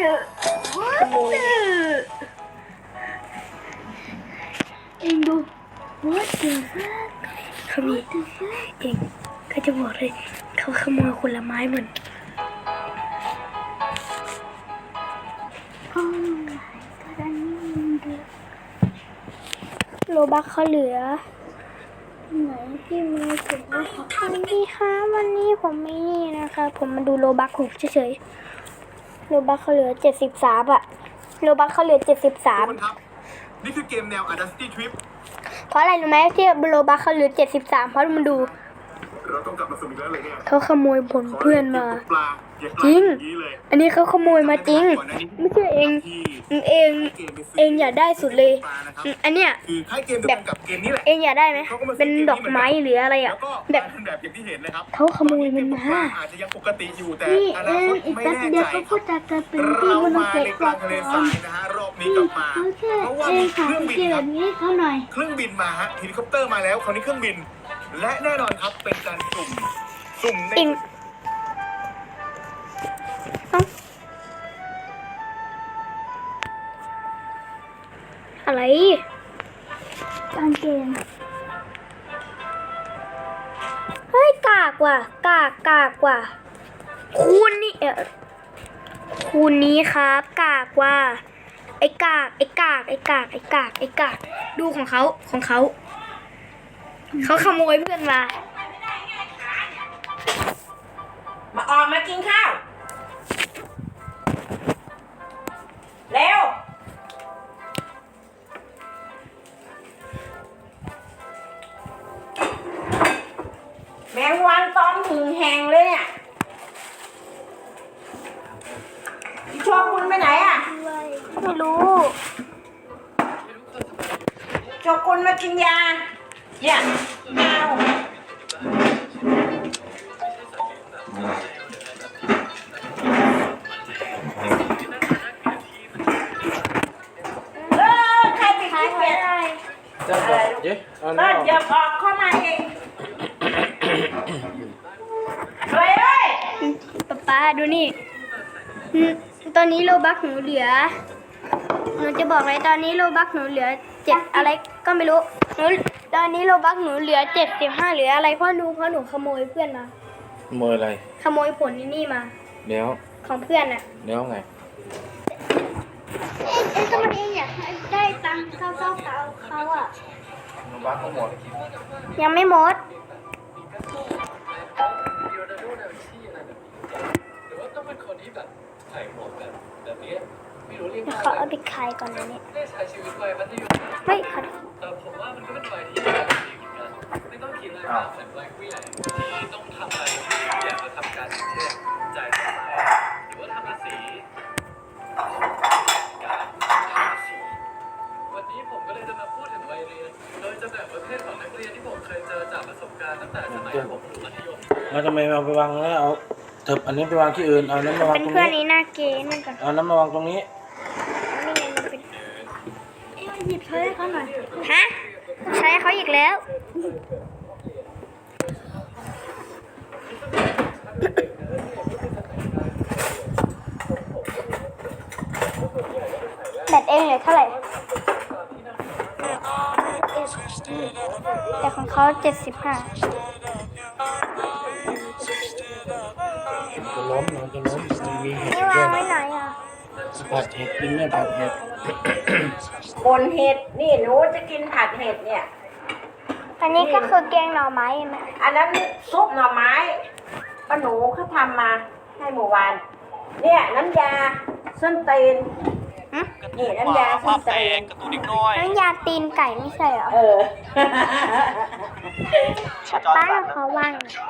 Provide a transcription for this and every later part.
ขโมยเองดู What the fuck เขามีเองก็จะบอกเลยเขาขโมยผลไม้เหมือนโลบักเขาเหลือไหนที่มือถือวันนี้ค่ะวันนี้ผมไม่นี่นะคะผมมาดูโลบักหกเฉยๆโลบักเขาเหลือ73อะโลบักเขาเหลือ73 ทุกคนครับ นี่คือเกมแนว Audacity Trip เพราะอะไรรู้ไหมที่โลบักเขาเหลือ73เพราะมันดูเราต้องกลับมาสนุกแล้วเลยเนี่ยเขาขโมยผลเพื่อนมาปลาอย่าปลาจริงอย่างนี้เลยอันนี้เขาขโมยมาจริง ไม่ใช่เองที่เองอยากได้สุดเลยปลานะครับอันเนี้ยคือค่ายเกมเดียวกันกับเกมนี้แหละเองอยากได้ไหมเป็นดอกไม้หรืออะไรแล้อ่ะวก็แบบแบบอย่างที่เห็นนะครับเขาขโมยมันมาอาจจะยังปกติอยู่แต่นี่อเอนาคงตอีกไม่แป๊บแน่เดียวใจเขาก็จะกลายเป็นที่เรามันมาเก็บในกกวาลางดทะเลก่ทราอนยนะฮะรอบนี้กลับมาเขาแค่เพราะว่าเอมีงเคขารื่องบินเกียครรับตินี้เขาหน่อยเครื่องบินมาฮะเฮลิคอปเตอร์มาแล้วคราวนี้เครื่องบิน และแน่นอนครับเป็นการสุ่มในเองเอ้าอะไรกางเกงเฮ้ยกากว่ะกากว่ะคูณนี่คูณนี้ครับกากว่ะไอ้กากดูของเขาเขาขโมยเพื่อนมามาออกมากินข้าว เร็ว แมงวันตอมถึงแหงเลยเนี่ยพี่โชคคุณไปไหนอ่ะไม่รู้โชคคุณมากินยาอย่าเอาใครไปกินเบียร์จะบอกเย้เอาเลิน้ำศอย่าออกเข้ามาเองเฮ้ยเฮ้ยป๊าดูนี่ตอนนี้โลบักหนูเหลือหนูจะบอกเลยตอนนี้โลบักหนูเหลือ7อะไรก็ไม่รู้ตอนนี้โลบักหนูเหลือ75เหลืออะไรเพราะหนูขโมยเพื่อนมาขโมยอะไรขโมยผลนี่มาแล้วของเพื่อนอ่ะแล้วไงก็มันเองอยากได้ตังค์เขาอ่ะโลบักทั้งหมดยังไม่หมดเดี๋ยวขอเอาไปขายก่อนนะเนี่ยเฮ้ยขอโทษผมว่ามันก็เป็นวัยที่ดีเหมือนกันไม่ต้องคิดอะไรมากเหมือนวัยผู้ใหญ่ที่ต้องทำอะไรที่อยากจะทำการอย่างเช่นจ่ายค่าไฟหรือว่าทำภาษีการทำภาษีวันนี้ผมก็เลยจะมาพูดถึงวัยเรียน โดยจะแบ่งประเภทของนักเรียนที่ผมเคยเจอจากประสบการณ์ตั้งแต่สมัยผมอยู่มัธยมแล้วทำไมเอาไปวางแล้วเอาเถิบอันนี้ไปวางที่อื่นเอาน้ำมาวางเป็นตรงเพื่อนนี้นี้หน้าเกย์นั่นก่อนเอาน้ำมาวางตรงนี้นี่ไงมันเป็นหยิบใช้เขาหน่อยฮะใช้เขาอีกแล้วแบตเองเหลือเท่าไหร่แต่ของเขา75 จะล้มมันจะล้มมันมีเห็ดนี่ด้วาวยงไว้ไหนอ่ะผัดเห็ดกินเนี่ยผัดเห็ดบนเห็ด นี่หนูจะกินผัดเห็ดเนี่ยอันนี้ก็คือแกงหน่อไม้เห็นไหมอันนั้นซุปหน่อไม้ป้าหนูเขาทำมาให้เมื่อวาน เนี่ยน้ำยาส้นตีนนี่น้ำยาส้นตีนน้ำยาตีนไก่ไม่ใช่เหรอเออป้าเขาว่าง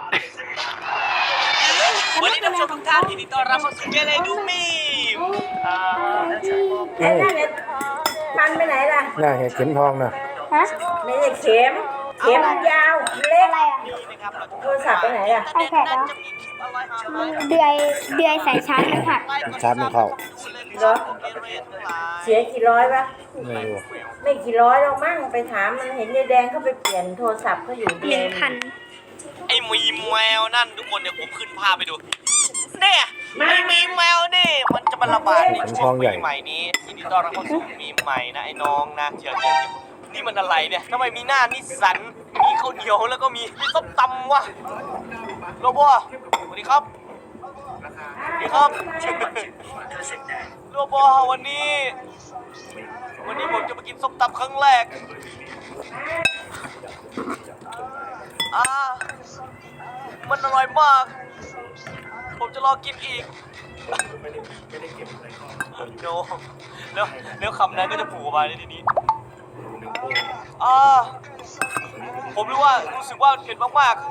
วันนี้ท่านผู้ชมทุกท่านยินดีต้อนรับเข้าสู่เกเลดูมีมไอ้นั่นเนี่ยมันไปไหนล่ะน่าเห็ดเข็มทองนะฮะไม่ใช่เข็ม เข็มมันยาวเล็กอะไรอ่ะโทรศัพท์ไปไหนล่ะไอแพดเหรอเดือยสายชาร์จไม่หักชาร์จไม่เข้าเหรอ เสียกี่ร้อยปะไม่รู้ไม่กี่ร้อยหรอกมั้งไปถามมันเห็นยายแดงเขาไปเปลี่ยนโทรศัพท์เขาอยู่เดือน 1,000 ไอ้มีแมวนั่นทุกคนเดี๋ยวผมขึ้นภาพไปดูเนี่ยไอ้มีแมวนี่มันจะมันระบาดในมันช่คลวอง งใหญ่ปีใหม่นี้ยินดีต้อนรับเข้าสู่มีมใหม่นะไอ้น้องนะเดี๋ยวนี่มันอะไรเนี่ยทำไมมีหน้านิสสันมีข้าวเหนียวแล้วก็มีส้มตำวะโรบอสวัสดีครับสวัสดีครับโรบอวันนี้ผมจะมากินส้มตำครั้งแรกมันอร่อยมาก ผมจะรอกินอีกโนแล้วคำนั้นก็จะผูกมาในที่นี้ผมรู้สึกว่าเผ็ดมาก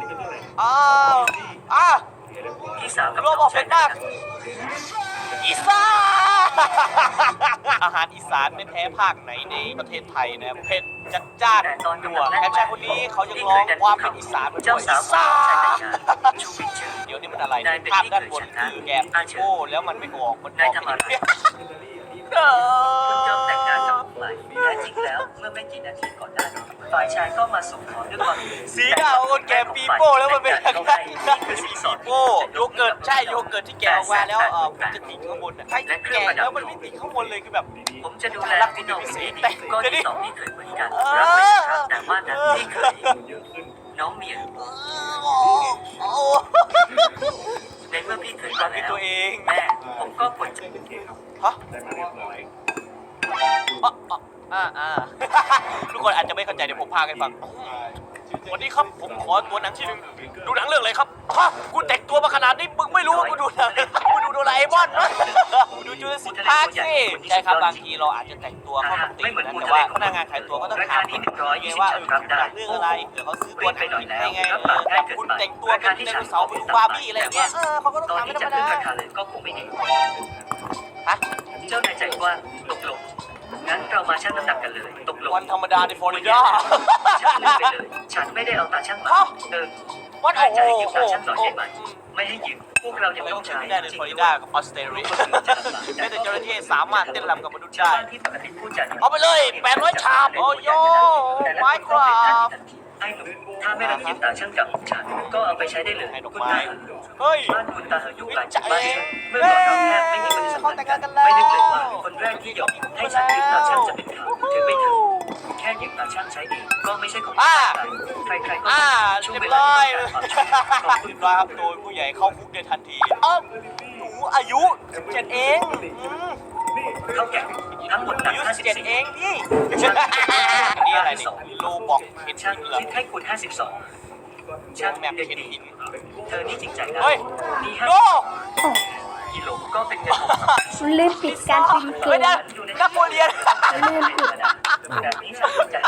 ๆโรบอเผ็ดมากอีสานอาหารอีสานไม่แพ้ภาคไหนในประเทศไทยนะเผ็ดจัดจ้านนัวแถมชายคนนี้เขายังร้องความเป็นอีสานมาด้วยอีสานเดี๋ยวนี้มันอะไรภาพด้านบนคือแกะโก้แล้วมันไม่ออกมันออกไม่ได้คุณยอมแต่งงานกับผมไหมแท้จริงแล้วเมื่อไม่กี่นาทีก่อนหน้านี้ฝ่ายชายก็มาส่งของด้วยความสีหน้าของคนแกะปีโป้แล้วมันเป็นยังไงนี่คือสีปีโป้โยเกิร์ตใช่โยเกิร์ตที่แกะออกมาแล้วมันจะติดข้างบนใช่แกะแล้วมันไม่ติดข้างบนเลยคือแบบผมจะดูแลพี่น้องเองก็ที่สองนี่เคยเหมือนกันรับไม่ใช่ครับแต่ว่านั้นนี่เคยน้องเมียในเมื่อพี่เคยความามคิดแล้วตัวเองแม่ผมก็ควรจะฮะทุกคนอาจจะไม่เข้าใจเดี๋ยวผมพากันฟังวันนี้ครับผมขอตัวหนังที่หนึ่งดูหนังเรื่องอะไรครับฮะกูแต่งตัวมาขนาดนี้มึงไม่รู้ว่ากูดูหนังกูดูโดราเอมอนนะกูดูจูเลสิกพาร์คสิใช่ครับบางทีเราอาจจะแต่งตัวเข้ากับธีมนะแต่ว่าพนักงานขายตัวก็ต้องถามคุณไงว่าหนังเรื่องอะไรเดี๋ยวเขาซื้อตัวหนังผิดให้ไงแต่คุณแต่งตัวเป็นไดโนเสาร์เป็นบาร์บี้อะไรอย่างเงี้ยเขาก็ต้องตอนถามที่ไม่ธรจะรมขึ้นดาราคาเลยก็คงไม่ดีฮะเจ้านายใจกว้างตกลงงั้นเรามาชั่งน้ำหนักกันเลยตกลงวันธรรมดาในฟลอริดาฉันลืมไปเลยฉันไม่ได้เอาตาช่างมาวันถ้าโอ้จะโหให้ยืมตาช่างหน่อยได้ไหมไม่ให้ยืมพวกเรายังไม่ต้ต้ออง งใช้ใช้ได้ในฟลอริดากับออสเตรเลียแม้แต่จระเข้สามารถเต้นรำกับมนุษย์ชาวได้บ้านที่ปกติพูดจาเอาไปเลย800ชามโอ้โยไม้ครับไอ้หนุ่มถ้าไม่รังเกียจตาช่างกับฉันก็เอาไปใช้ได้เลยให้ดอกคุณไม้ตาเฮ้ยบ้านคุณตาอายุหลายใจบ้านเมื่อก่อนเราแทบไม่มีปฏิสัมพันธ์กันไม่นึกเลยว่าคนแรกที่ยอมให้ฉันยืมตาช่างจะเป็นเขาถึงไม่ถึงแค่ยืมตาช่างใช้เองก็ไม่ใช่ของใครๆก็ช่วยเรียเวบลาร้อยต้องการความช่วยเหลือขอบคุณครับโดยผู้ใหญ่เข้าคุกในทันทีหนูอายุ17เองเท่าแก่ทั้งหมดหนัอาก ยุ17 54 เองพี่อันนี้อะไรเนี่ยโลบอกเห็นช่างเหรอคิดให้คุณ52ช่างแมปเด็กเห็นดีหินเธอนี่จริงใจนะเฮ้ยนี่โล 50กิโลก็เป็นเงิน6 ลืมปิดการพิมพ์เกไม่มได้นักโมเรียนแบบนี้ฉันใจ